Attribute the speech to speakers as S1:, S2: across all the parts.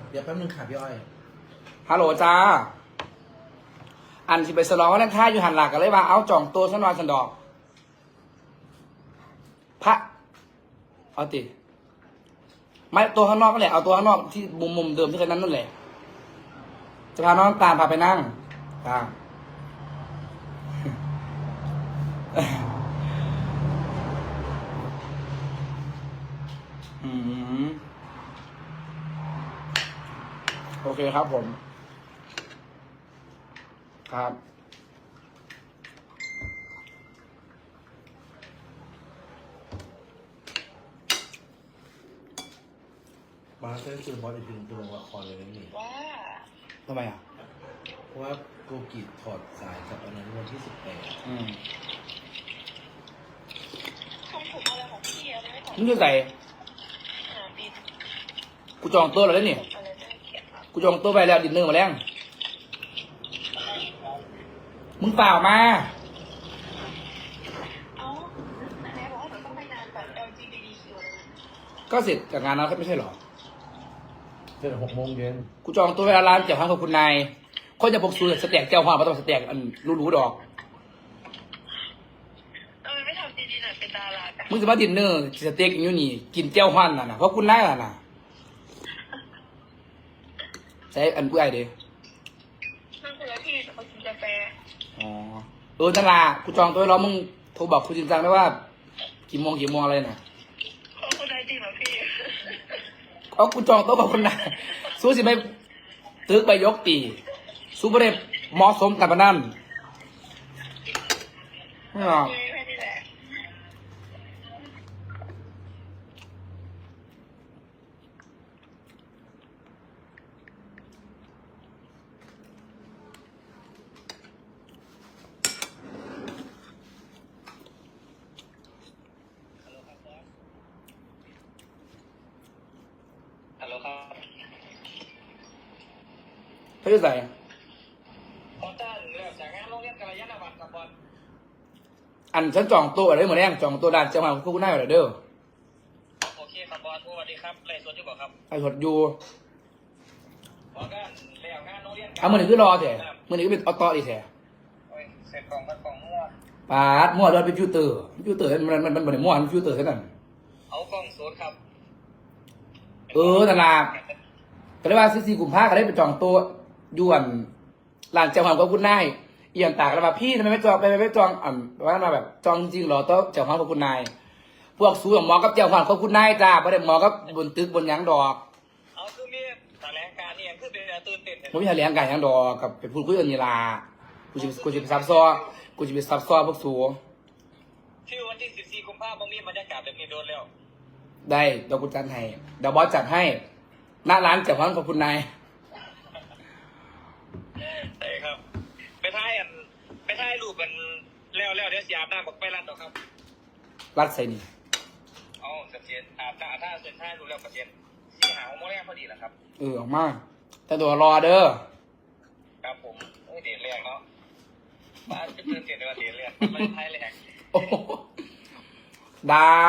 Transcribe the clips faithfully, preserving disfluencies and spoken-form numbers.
S1: เดี๋ยวแป๊บนึงค่ะพี่อ้อย
S2: ฮัลโหลจ้าอันที่ไปสลองว่านั่นท่าอยู่หันหลักกันเลยว่าเอาจ่องตัวฉันวาสันดอกพระเอาติไม่ตัวข้างนอกก็แหละเอาตัวข้างนอกที่มุมมุมเดิมที่เคยนั่นนั่นแหละจะพาน้องตามพาไปนั่งตามอืมโอเคครับผมครับ
S1: มาสเตอร์คือบอสอีกทีนึงคือลงละครเลยนะนี่
S3: ว่า
S2: ทำไมอ่ะ
S1: เพราะว่าโกกิถอดสายจากอันนั้นวันที่สิบแปด
S2: อืม
S3: ทำผมอะไรของพี่อะไรไม่ต่อ
S2: มึงจะใส่
S3: หาบิน
S2: กูจองโต๊ะแล้วนี่
S3: อะไรน่าเกลียดมาก
S2: กูจองโต๊ะไปแล้วดินเนอร์มาแล้วมึงเปล่ามา
S3: เอ้าไหนบอกว่าหนูต้องไปงานแบบ แอล จี บี ที คิว อะไรนะ
S2: ก็เสร็จจากงานนั้นไม่ใช่หรอ
S1: เสร็จหกโมงเย็น
S2: กูจองโต๊ะไปแล้วร้านเจ้าข้างของคุณนายคนจะพกสูตรสเต็กเจ้าหวานมาต้องสเต็กอันรู้ๆดอก
S3: ทำไมไม่ทำดีๆหน่อยเป็นดารากัน
S2: มึงจะมาดินเนอร์สเต็กอยู่นี่กินเจ้าหวานน่ะนะเพราะคุณนายน่ะนะใช้อันกูไอเด้
S3: นั่นคือพี่แต่เขากินกาแฟ
S2: อ๋อเออนั่นล่ะกูจองโต๊ะไว้แล้วมึงโทรบอกคุณจริงจังได้ว่ากี่โมงกี่โมงอะไรน่ะ
S3: เขาคนใดจริงเหรอพี่
S2: เอากูจองโต๊ะกับคุณนายสู้สิไปตึกไปยกตีสู้ประเด็เหมาะสมกับมันนั่นไม่หรอก
S3: ไม่ไม่นี่แหละ
S4: ฮัลโหลครับ
S2: เขาจะใส่
S4: พอจ้าเริ่มจากงานโรงเรียนกัลยาณวัฒน์กับบอล
S2: อันฉันจองโต๊ะอะไรเหมือนแรงจองโต๊ะด้านเจ้าของคุณนายอะไรเด้อ
S4: โอเคครับบอลสวัสดีครับไรสวนที่บอกครับ
S2: ไอ้หดอยู่
S4: พอกันแล้วงานโรงเรียน
S2: เอามือหนึ่งคือรอแท้มือหนึ่งก็เป็นออโต้อีแท้
S4: โอ้ยเสร็จกล่องพัดกล่องมั่ว
S2: ปาดมั่วด้วยเป็นฟิวเตอร์ฟิวเตอร์มันมันมันมันมั่วมันฟิวเตอร์แค่นั้น
S4: เอากล่องศูนย์ครับ
S2: เออตลาดก็ได้ว่าซีซีกลุ่มผ้าก็ได้ไปจองโต๊ะยวนร้านเจ้าของก็คุณนายเอียงตากแล้วมาพี่ทำไมไม่จองไปไม่จองอ่าว่ามาแบบจองจริงเหรอโต๊ะเจ้าของกับคุณนายพวกสูงหมอกับเจ้าของกับคุณนายจ้าประเด็นหมอกับบนตึกบนหยังดอก
S4: เอาคือมีแถลงการนี่ยังคือเป็นตื่นเต้น
S2: ผมมีแถลงการหยังดอกกับไปพูดคุยกันนี่ล่ะกูจะกูจะไปซับซ้อกูจะไปซับซ้อพวกสูง
S4: ที่วันที่สิบสี่กุมภาพันธ์มีบรรยากาศแบบนี้โดนแล้ว
S2: ได้เดี๋ยวกูจัดให้เดี๋ยวบอสจัดให้หน้าร้านเจ้าของกับคุณนาย
S4: ใช่ครับ ไปถ่ายอันไปถ่ายรูปกันแล้วแล้วเดี๋ยวเสียอาบน้ำบอกไปร้านต่อครับ
S2: รัดใส่นี่
S4: เอาเสร็จอาบน้ำถ้าเสร็จถ่ายรูปแล้วก็เสร็จสีหาวโมแรกพอดีแหละครับ
S2: เออออกมาแต่ตัวรอเด้อ
S4: ครับผมโอ้ยเดียนแรกเนาะบ้านจะตื่นเต้นในวันเดียนแรกไม่ถ่ายแรก
S2: โอ้โหได้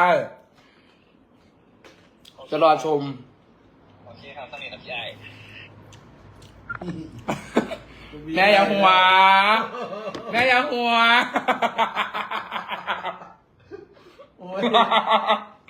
S2: จะรอชม
S4: โอเคครับท่านนี้ครับยาย
S2: แม่อยังหัว แม่อยังหัว
S1: โอ้ย